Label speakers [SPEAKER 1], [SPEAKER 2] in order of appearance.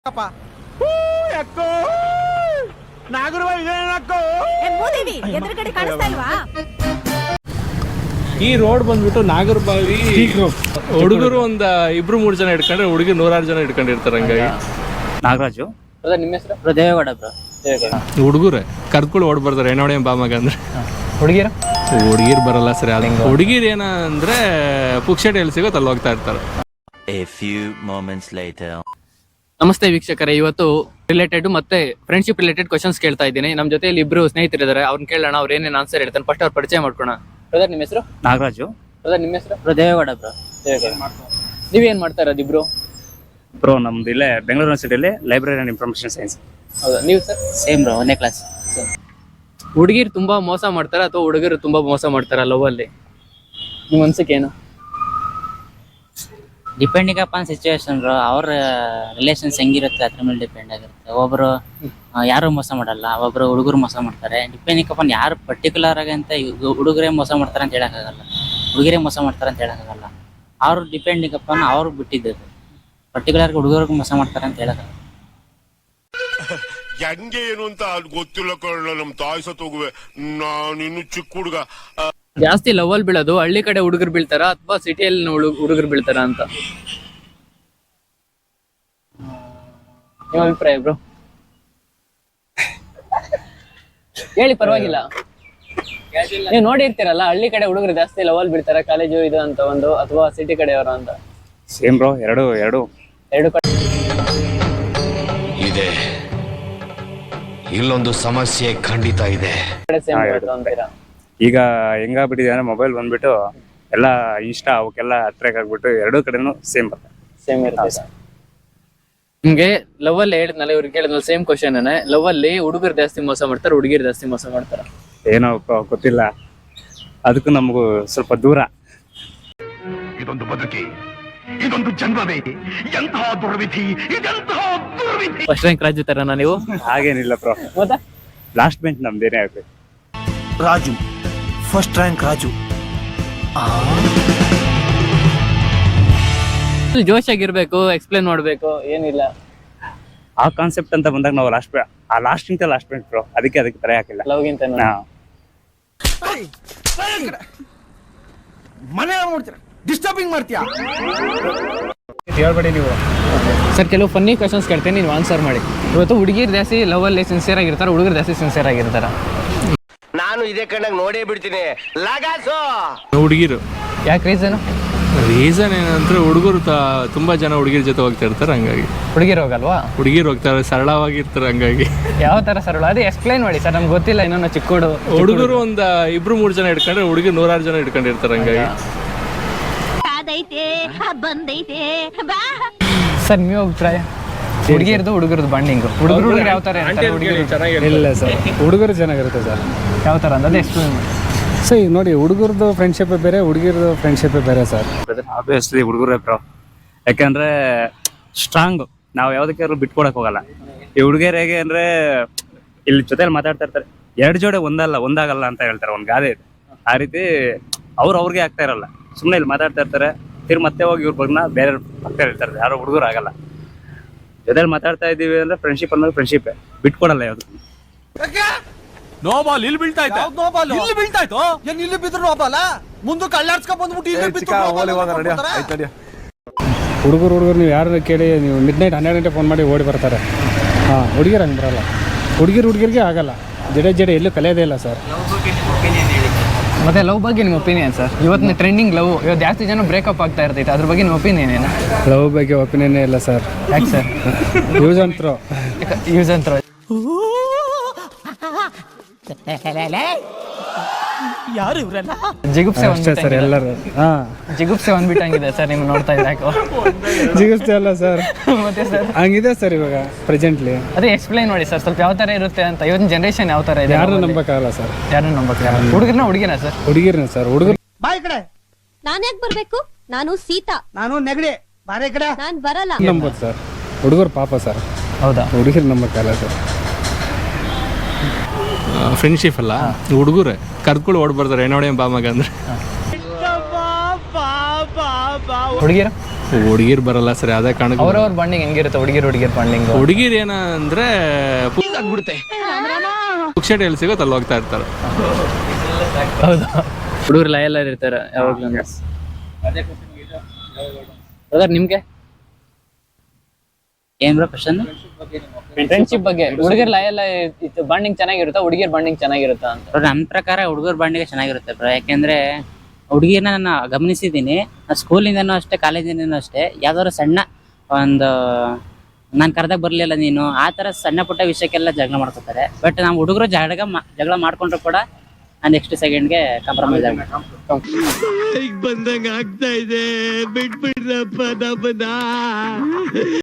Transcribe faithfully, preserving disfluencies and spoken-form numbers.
[SPEAKER 1] ಈ ರೋಡ್ ಬಂದ್ಬಿಟ್ಟು ನಾಗರಬಾವಿ ಹುಡುಗರು ಒಂದ್ ಇಬ್ರು ಮೂರ್ ಜನ ಇಟ್ಕೊಂಡ್ರೆ ಹುಡುಗಿ ನೂರಾರು ಜನ ಇಟ್ಕೊಂಡಿರ್ತಾರೆ. ಹಂಗಾಗಿ
[SPEAKER 2] ನಾಗರಾಜು.
[SPEAKER 3] ನಿಮ್ಮ ಹೆಸರು?
[SPEAKER 2] ದೇವೇಗೌಡ ಬ್ರೋ.
[SPEAKER 1] ಹುಡುಗರೇ ಕರ್ಕೊಂಡು ಓಡ್ ಬರ್ತಾರೆ ಏನೋಡೆ ಬಾಮಗ ಅಂದ್ರೆ.
[SPEAKER 3] ಹುಡುಗಿರ
[SPEAKER 1] ಹುಡುಗಿರ್ ಬರಲ್ಲ ಸರಿ. ಅದ ಹುಡುಗಿರ್ ಏನ ಅಂದ್ರೆ ಪುಕ್ಷಟೆ ಎಲ್ಲಿ ಸಿಗೋತ್ ಅಲ್ಲಿ ಹೋಗ್ತಾ ಇರ್ತಾರೆ.
[SPEAKER 4] A few moments later.
[SPEAKER 3] ನಮಸ್ತೆ ವೀಕ್ಷಕರೇ, ಇವತ್ತು ರಿಲೇಟೆಡ್ ಮತ್ತೆ ಫ್ರೆಂಡ್ಶಿಪ್ ರಿಲೇಟೆಡ್ ಕ್ವಶನ್ಸ್ ಕೇಳ್ತಾ ಇದ್ದೀನಿ. ನಮ್ಮ ಜೊತೆಯಲ್ಲಿ ಇಬ್ರು ಸ್ನೇಹಿತರಿದ್ದಾರೆ, ಅವ್ರನ್ನ ಕೇಳೋಣ, ಅವ್ರು ಏನೇನು ಆನ್ಸರ್ ಹೇಳ್ತಾನೆ. ಫಸ್ಟ್ ಅವ್ರ ಪರಿಚಯ ಮಾಡ್ಕೋಣ. ಬ್ರದರ್ ನಿಮ್ಮ ಹೆಸರು?
[SPEAKER 2] ನಾಗರಾಜು.
[SPEAKER 3] ಬ್ರದರ್ ನಿಮ್ಮ ಹೆಸರು?
[SPEAKER 2] Bro Devegowda bro.
[SPEAKER 3] ನೀವೇನ್ ಮಾಡ್ತಾ ಇರೋದು ಇಬ್ರು?
[SPEAKER 2] ಬ್ರೋ ನಮ್ದು ಇಲ್ಲೇ ಬೆಂಗಳೂರು ಯೂನಿವರ್ಸಿಟಿಯಲ್ಲಿ ಲೈಬ್ರರಿ ಅಂಡ್ ಇನ್ಫಾರ್ಮೇಶನ್ ಸೈನ್ಸ್.
[SPEAKER 3] ಹೌದಾ, ನೀವು ಸರ್?
[SPEAKER 2] ಸೇಮ್ ಬ್ರೋ, ಒಂದೇ ಕ್ಲಾಸ್.
[SPEAKER 3] ಹುಡುಗಿರು ತುಂಬಾ ಮೋಸ ಮಾಡ್ತಾರ ಅಥವಾ ಹುಡುಗರು ತುಂಬಾ ಮೋಸ ಮಾಡ್ತಾರ ಲವ್ ಅಲ್ಲಿ? ನಿಮ್ಮ ಅನ್ಸಿಕೆ ಏನು?
[SPEAKER 2] Depending upon situation bro. ಅವ್ರ ರಿಲೇಷನ್ಸ್ ಹೆಂಗಿರುತ್ತೆ ಅದ್ರ ಮೇಲೆ ಡಿಪೆಂಡ್ ಆಗಿರುತ್ತೆ. ಒಬ್ರು ಯಾರು ಮೋಸ ಮಾಡಲ್ಲ, ಒಬ್ರು ಹುಡುಗರು ಮೋಸ ಮಾಡ್ತಾರೆ. ಡಿಪೆಂಡಿಂಗ್ ಅಪಾನ್ ಯಾರು ಪರ್ಟಿಕ್ಯುಲರ್ ಆಗಿ ಅಂತ ಹುಡುಗರೇ ಮೋಸ ಮಾಡ್ತಾರೆ ಅಂತ ಹೇಳಕ್ಕಾಗಲ್ಲ, ಹುಡುಗರೇ ಮೋಸ ಮಾಡ್ತಾರೆ ಅಂತ ಹೇಳಕ್ಕಾಗಲ್ಲ. ಅವ್ರು ಡಿಪೆಂಡಿಂಗ್ ಅಪಾನ್ ಅವ್ರು ಬಿಟ್ಟಿದ್ದು. ಪರ್ಟಿಕ್ಯುಲರ್ ಹುಡುಗರಿಗೆ ಮೋಸ ಮಾಡ್ತಾರೆ ಅಂತ ಹೇಳಕ್ಕಾಗಲ್ಲ.
[SPEAKER 5] ಹೆಂಗೆ ಏನು ಅಂತ ಗೊತ್ತಿಲ್ಲ ಕಳ್ಳ. ನಮ್ ತಾಯಿ ಸತ್ ಹೋಗುವೆ, ನಾನು ಇನ್ನು ಚಿಕ್ಕ ಹುಡುಗ.
[SPEAKER 3] ಜಾಸ್ತಿ ಲವ್ ಅಲ್ಲಿ ಬೀಳೋದು ಹಳ್ಳಿ ಕಡೆ ಹುಡುಗರು ಬೀಳ್ತಾರ ಅಥವಾ ಸಿಟಿಯಲ್ಲಿ ಹುಡುಗರು ಬೀಳ್ತಾರ ಅಂತ ನಿಮ್ಮ ಅಭಿಪ್ರಾಯ ಬ್ರೋ? ಹೇಳಿ, ಪರವಾಗಿಲ್ಲ. ನೀವು ನೋಡಿರ್ತೀರಲ್ಲ, ಹಳ್ಳಿ ಕಡೆ ಹುಡುಗರು ಜಾಸ್ತಿ ಲವ್ ಅಲ್ಲಿ ಬೀಳ್ತಾರ, ಕಾಲೇಜು ಇದು ಅಂತ ಒಂದು, ಅಥವಾ ಸಿಟಿ ಕಡೆಯವರು ಅಂತ?
[SPEAKER 2] ಸೇಮ್ ಬ್ರೋ, ಎರಡು ಎರಡು
[SPEAKER 3] ಎರಡು ಕಡೆ
[SPEAKER 5] ಇದೆ. ಇಲ್ಲೊಂದು ಸಮಸ್ಯೆ ಖಂಡಿತ ಇದೆ.
[SPEAKER 3] ಸೇಮ್ ಅಂತೀರಾ?
[SPEAKER 2] ಈಗ ಹೆಂಗಾಗ್ಬಿಟ್ಟಿದೆ ಅಂದ್ರೆ ಮೊಬೈಲ್ ಬಂದ್ಬಿಟ್ಟು ಎಲ್ಲ ಇನ್ಸ್ಟಾ ಅವಕ್ಕೆಲ್ಲ ಅಟ್ರಾಕ್ಟ್ ಆಗ್ಬಿಟ್ಟು ಎರಡೂ ಕಡೆನೂ ಸೇಮ್ ಬರ್ತದೆ.
[SPEAKER 3] ಸೇಮ್ ಇರುತ್ತೆ. ನಿಮ್ಗೆ ಲವ್ ಅಲ್ಲಿ ಹೇಳಿದ್ನಲ್ಲ, ಇವ್ರಿಗೆ ಕೇಳಿದ್ನಲ್ಲ ಸೇಮ್ ಕ್ವಶನ್. ಲವ್ ಅಲ್ಲಿ ಹುಡುಗರು ಜಾಸ್ತಿ ಮೋಸ ಮಾಡ್ತಾರೆ, ಹುಡುಗಿರು ಜಾಸ್ತಿ ಮೋಸ ಮಾಡ್ತಾರ?
[SPEAKER 2] ಏನೋ ಗೊತ್ತಿಲ್ಲ, ಅದಕ್ಕೂ ನಮಗೂ ಸ್ವಲ್ಪ ದೂರ.
[SPEAKER 5] ಇದೊಂದು ಬದುಕಿ, ಇದೊಂದು ಜನ್ಮವೇ, ಎಂತಹ ದುರ್ವಿಧಿ, ಇದೆಂತಹ ದುರ್ವಿಧಿ.
[SPEAKER 3] ಫಸ್ಟ್ ರ್ಯಾಂಕ್ ರಾಜು ತರನಾ ನೀವು?
[SPEAKER 2] ಹಾಗೇನಿಲ್ಲ ಬ್ರೋ,
[SPEAKER 3] ಹೌದಾ?
[SPEAKER 2] ಲಾಸ್ಟ್ ಬೆಂಚ್ ನಮ್ದೇನೇ ಆಗ್ಬೇಕು.
[SPEAKER 6] Raju first rank Raju.
[SPEAKER 3] ಜೋಶ್ ಆಗಿರ್ಬೇಕು, ಎಕ್ಸ್ಪ್ಲೇನ್ ಮಾಡ್ಬೇಕು, ಏನಿಲ್ಲ.
[SPEAKER 2] ಆ ಕಾನ್ಸೆಪ್ಟ್ ಅಂತ ಬಂದಾಗ ನಾವು ಲಾಸ್ಟ್ ಆ ಲಾಸ್ಟ್ ಇಂತ ಲಾಸ್ಟ್ ಬೆಂಚ್ ಬ್ರೋ, ಅದಕ್ಕೆ ಅದಕ್ಕೆ ತರ ಹಾಕಿಲ್ಲ.
[SPEAKER 3] ಲವ್ಗಿಂತ
[SPEAKER 6] ಮನೆ ನೋಡ್ತೀರ, ಡಿಸ್ಟರ್ಬಿಂಗ್ ಮಾಡ್ತೀಯಾ?
[SPEAKER 2] ಹೇಳ್ಬೇಡಿ ನೀವು.
[SPEAKER 3] ಸರ್, ಕೆಲವು ಫನ್ನಿ ಕ್ವಶನ್ಸ್ ಕೇಳ್ತೀನಿ, ನೀವು ಆನ್ಸರ್ ಮಾಡಿ. ಇವತ್ತು ಹುಡುಗಿರು ಜಾಸ್ತಿ ಲವ್ ಅಲ್ಲಿ ಸಿನ್ಸಿಯರ್ ಆಗಿರ್ತಾರೆ, ಹುಡುಗರು ಜಾಸ್ತಿ ಸಿನ್ಸಿಯರ್ ಆಗಿರ್ತಾರ?
[SPEAKER 5] ನಾನು ಇದೇ ಕಣ್ಣಾಗ ನೋಡೇ ಬಿಡ್ತೀನಿ. ಲಗಾಸು
[SPEAKER 1] ಹುಡುಗಿರು
[SPEAKER 3] ಯಾಕೆ? ರೀಸನ್
[SPEAKER 1] ರೀಸನ್ ಏನಂದ್ರೆ ಹುಡುಗರು ತುಂಬಾ ಜನ ಹುಡುಗಿರ ಜೊತೆ ಹೋಗ್ತಾ ಇರ್ತಾರೆ, ಹಂಗಾಗಿ.
[SPEAKER 3] ಹುಡುಗಿರು ಹೋಗಲ್ವಾ?
[SPEAKER 1] ಹುಡುಗಿರು ಹೋಗ್ತಾರೆ, ಸರಳವಾಗಿರ್ತಾರೆ, ಹಂಗಾಗಿ.
[SPEAKER 3] ಯಾವ ತರ ಸರಳ? ಅದೇ ಎಕ್ಸ್ಪ್ಲೈನ್ ಮಾಡಿ ಸರ್, ನಮ್ಗೆ ಗೊತ್ತಿಲ್ಲ ಇನ್ನೊಂದು. ಚಿಕ್ಕೋಡು
[SPEAKER 1] ಹುಡುಗರು ಒಂದ್ ಇಬ್ರು ಮೂರ್ ಜನ ಇಟ್ಕೊಂಡ್ರೆ ಹುಡುಗಿ ನೂರಾರು ಜನ ಇಟ್ಕೊಂಡಿರ್ತಾರೆ, ಹಂಗಾಗಿ.
[SPEAKER 3] ಸರ್, ನೀವು ಅಭಿಪ್ರಾಯ? ಹುಡುಗಿರ್ದು ಹುಡುಗರದು ಬಾಂಡಿಂಗ್, ಹುಡುಗರು ಹುಡುಗರು ಯಾವ ತರ
[SPEAKER 7] ಇಲ್ಲ ಸರ್, ಹುಡುಗರು ಚೆನ್ನಾಗಿರುತ್ತೆ ಸರ್.
[SPEAKER 3] ಯಾವ ತರ ಅಂದ್ರೆ ಎಕ್ಸ್ಪ್ಲೇನ್ ಮಾಡಿ.
[SPEAKER 7] ಸೊ ಈಗ ನೋಡಿ, ಹುಡುಗರದು ಫ್ರೆಂಡ್ಶಿಪ್ ಬೇರೆ, ಹುಡುಗಿರದು ಫ್ರೆಂಡ್ಶಿಪ್ ಬೇರೆ ಸರ್.
[SPEAKER 2] ಆಬ್ವಿಯಸ್ಲಿ ಹುಡುಗರೇ ಬ್ರೋ, ಯಾಕಂದ್ರೆ ಸ್ಟ್ರಾಂಗ್. ನಾವು ಯಾವ್ದಕ್ಕಾದ್ರೂ ಬಿಟ್ಕೊಡಕ್ ಹೋಗಲ್ಲ. ಈ ಹುಡುಗಿಯರು ಹೇಗೆ ಅಂದ್ರೆ ಇಲ್ಲಿ ಜೊತೆಲಿ ಮಾತಾಡ್ತಾ ಇರ್ತಾರೆ, ಎರಡು ಜೋಡೆ ಒಂದಲ್ಲ ಒಂದಾಗಲ್ಲ ಅಂತ ಹೇಳ್ತಾರೆ, ಒಂದು ಗಾದೆ ಇದೆ. ಆ ರೀತಿ ಅವ್ರು ಅವ್ರಿಗೆ ಆಗ್ತಾ ಇರಲ್ಲ, ಸುಮ್ಮನೆ ಇಲ್ಲಿ ಮಾತಾಡ್ತಾ ಇರ್ತಾರೆ, ತಿರ್ ಮತ್ತೆ ಹೋಗಿ ಇವ್ರ ಬಗ್ಗೆ ಬೇರೆ ಆಗ್ತಾ ಇರ್ತಾರೆ. ಯಾರೋ ಹುಡುಗರು ಆಗಲ್ಲ, ಜೊತೆಲಿ ಮಾತಾಡ್ತಾ ಇದ್ದೀವಿ ಅಂದ್ರೆ ಫ್ರೆಂಡ್ಶಿಪ್ ಅನ್ನೋದು ಫ್ರೆಂಡ್ಶಿಪ್, ಬಿಟ್ಕೊಡಲ್ಲ ಯಾವ್ದು.
[SPEAKER 6] ನೋ ಬಾಲ್ ಇಲ್ಲಿ ಬೀಳ್ತಾ ಇತ್ತು. ನೋ ಬಾಲ್ ಇಲ್ಲಿ ಬೀಳ್ತಾ ಇತ್ತು. ಏನ್ ಇಲ್ಲಿ ಬಿದ್ರು ನೋ ಬಾಲ್? ಮುಂದಕ್ಕೆ ಅಲ್ಲಾಡ್ಸ್ಕೊಂಡ್ ಬಂದ್ಬಿಟ್ಟು ಇಲ್ಲಿ ಬಿತ್ತು.
[SPEAKER 7] ಹುಡುಗರು ಹುಡುಗರು ನೀವು ಯಾರು ಕೇಳಿ, ನೀವು ಮಿಡ್ ನೈಟ್ ಹನ್ನೆರಡು ಗಂಟೆ ಫೋನ್ ಮಾಡಿ ಓಡಿ ಬರ್ತಾರೆ. ಹಾಂ, ಹುಡುಗಿರು ಹಂಗೆ ಬರಲ್ಲ. ಹುಡುಗಿರು ಹುಡುಗಿರಿಗೆ ಆಗಲ್ಲ, ಜಡೆ ಜಡೆ ಎಲ್ಲೂ ಕಲಿಯೋದೇ ಇಲ್ಲ ಸರ್.
[SPEAKER 3] ಮತ್ತೆ ಲವ್ ಬಗ್ಗೆ ನಿಮ್ಮ ಒಪಿನಿಯನ್ ಸರ್? ಇವತ್ತಿನ ಟ್ರೆಂಡಿಂಗ್ ಲವ್, ಇವತ್ತು ಜಾಸ್ತಿ ಜನ ಬ್ರೇಕಪ್ ಆಗ್ತಾ ಇರ್ತೈತೆ, ಅದ್ರ ಬಗ್ಗೆ ನಿಮ್ಮ ಒಪಿನಿಯನ್ ಏನು?
[SPEAKER 7] ಲವ್ ಬಗ್ಗೆ ಒಪಿನಿಯನ್ನೇ ಇಲ್ಲ ಸರ್.
[SPEAKER 3] ಯಾಕೆ ಸರ್?
[SPEAKER 7] ಯೂಸ್ ಅಂತ್ರು
[SPEAKER 3] ಯೂಸ್ ಅಂತ್ರು
[SPEAKER 6] ಯಾರು ಇವರೆಲ್ಲ?
[SPEAKER 3] ಜಿಗುಪ್ಸೆ
[SPEAKER 7] ಅಷ್ಟೇ ಸರ್ ಎಲ್ಲರೂ. ಹಾಂ,
[SPEAKER 3] ಜಿಗುಪ್ಸೆ ಒಂದ್ಬಿಟ್ಟಂಗಿದೆ ಸರ್, ನಿಮ್ಗೆ ನೋಡ್ತಾ ಇದ್ದಾಕೋ?
[SPEAKER 7] ಜಿಗಿಸ್ತೆ ಅಲ್ಲ ಸರ್,
[SPEAKER 3] ಮತ್ತೆ ಸರ್
[SPEAKER 7] ಹಂಗಿದೆ ಸರ್ ಇವಾಗ ಪ್ರೆಸೆಂಟ್ಲಿ.
[SPEAKER 3] ಅದೇ ಎಕ್ಸ್ಪ್ಲೈನ್ ಮಾಡಿ ಸರ್, ಸ್ವಲ್ಪ ಯಾವ ಥರ ಇರುತ್ತೆ ಅಂತ. ಇವತ್ತಿನ ಜನರೇಷನ್ ಯಾವ ಥರ ಇದೆ?
[SPEAKER 7] ಯಾರು ನಂಬಕ್ಕಾಗಲ್ಲ ಸರ್.
[SPEAKER 3] ಯಾರನ್ನ ನಂಬಕ್ಕಾಗಲ್ಲ? ಹುಡುಗರನ್ನ ಹುಡುಗಿನ ಸರ್?
[SPEAKER 7] ಹುಡುಗಿರ್ನ ಸರ್. ಹುಡುಗರು
[SPEAKER 8] ಬಾಯ್ ಕಡೆ ನಾನು ಯಾಕೆ ಬರ್ಬೇಕು? ನಾನು ಸೀತಾ. ನಾನು ನೆಗಡಿ ಬಾರೆ ಕಡೆ ನಾನು ಬರಲ್ಲ.
[SPEAKER 7] ನಂಬೋದು ಸರ್, ಹುಡುಗರು ಪಾಪ ಸರ್.
[SPEAKER 3] ಹೌದಾ?
[SPEAKER 7] ಹುಡುಗಿರು ನಂಬಕ್ಕಾಗಲ್ಲ ಸರ್.
[SPEAKER 1] ಫ್ರೆಂಡ್ಶಿಪ್ ಅಲ್ಲ, ಹುಡುಗರೇ ಕರ್ಕೊಂಡು ಓಡ್ ಬರ್ತಾರೆ ಏನೋಡೆ ಬಾಮಗ ಅಂದ್ರೆ.
[SPEAKER 3] ಹುಡುಗಿರು
[SPEAKER 1] ಹುಡುಗಿರ್ ಬರಲ್ಲ ಸರಿ, ಅದೇ ಕಾರಣಕ್ಕೆ
[SPEAKER 3] ಅವ್ರವ್ರ ಬಾಂಡಿಂಗ್ ಹೆಂಗಿರುತ್ತೆ ಹುಡುಗಿರ್ ಹುಡುಗಿರ್ ಬಾಂಡಿಂಗ್?
[SPEAKER 1] ಹುಡುಗಿರ್ ಏನ ಅಂದ್ರೆ ಪುಕ್ಷಟೆ ಎಲ್ಲಿ ಸಿಗೋತ್ ಅಲ್ಲಿ ಹೋಗ್ತಾ ಇರ್ತಾರೆ.
[SPEAKER 3] ಹೌದಾ? ಹುಡುಗರು ಲಯಲ್ ಇರ್ತಾರೆ ಯಾವಾಗ್ಲೂ. ಬ್ರದರ್ ನಿಮ್ಗೆ
[SPEAKER 9] ಏನ್ ಬ್ರೋ ಕ್ವಶನ್?
[SPEAKER 3] ಫ್ರೆಂಡ್ಶಿಪ್ ಬಗ್ಗೆ ಹುಡುಗರ್ ಲಯಲ್ ಬಾಂಡಿಂಗ್ ಚೆನ್ನಾಗಿರುತ್ತಾ ಹುಡುಗಿರ್ ಬಾಂಡಿಂಗ್ ಚೆನ್ನಾಗಿರುತ್ತಾ ಅಂತ?
[SPEAKER 9] ನನ್ನ ಪ್ರಕಾರ ಹುಡುಗರ ಬಾಂಡಿಗೆ ಚೆನ್ನಾಗಿರುತ್ತೆ ಬ್ರೋ. ಯಾಕೆಂದ್ರೆ ಹುಡುಗಿನ ನಾನು ಗಮನಿಸಿದ್ದೀನಿ, ಸ್ಕೂಲಿಂದನೂ ಅಷ್ಟೇ ಕಾಲೇಜಿಂದನೂ ಅಷ್ಟೇ, ಯಾವ್ದಾದ್ರು ಸಣ್ಣ ಒಂದು ನಾನು ಕರೆದಾಗ ಬರಲಿಲ್ಲ ನೀನು ಆ ಥರ ಸಣ್ಣ ಪುಟ್ಟ ವಿಷಯಕ್ಕೆಲ್ಲ ಜಗಳ ಮಾಡ್ಕೊತಾರೆ. ಬಟ್ ನಾವು ಹುಡುಗರು ಜಗಳ ಜಗಳ ಮಾಡ್ಕೊಂಡ್ರು ಕೂಡ ನೆಕ್ಸ್ಟ್ ಸೆಕೆಂಡ್ಗೆ ಕಾಂಪ್ರಮೈಸ್ ಆಗಿ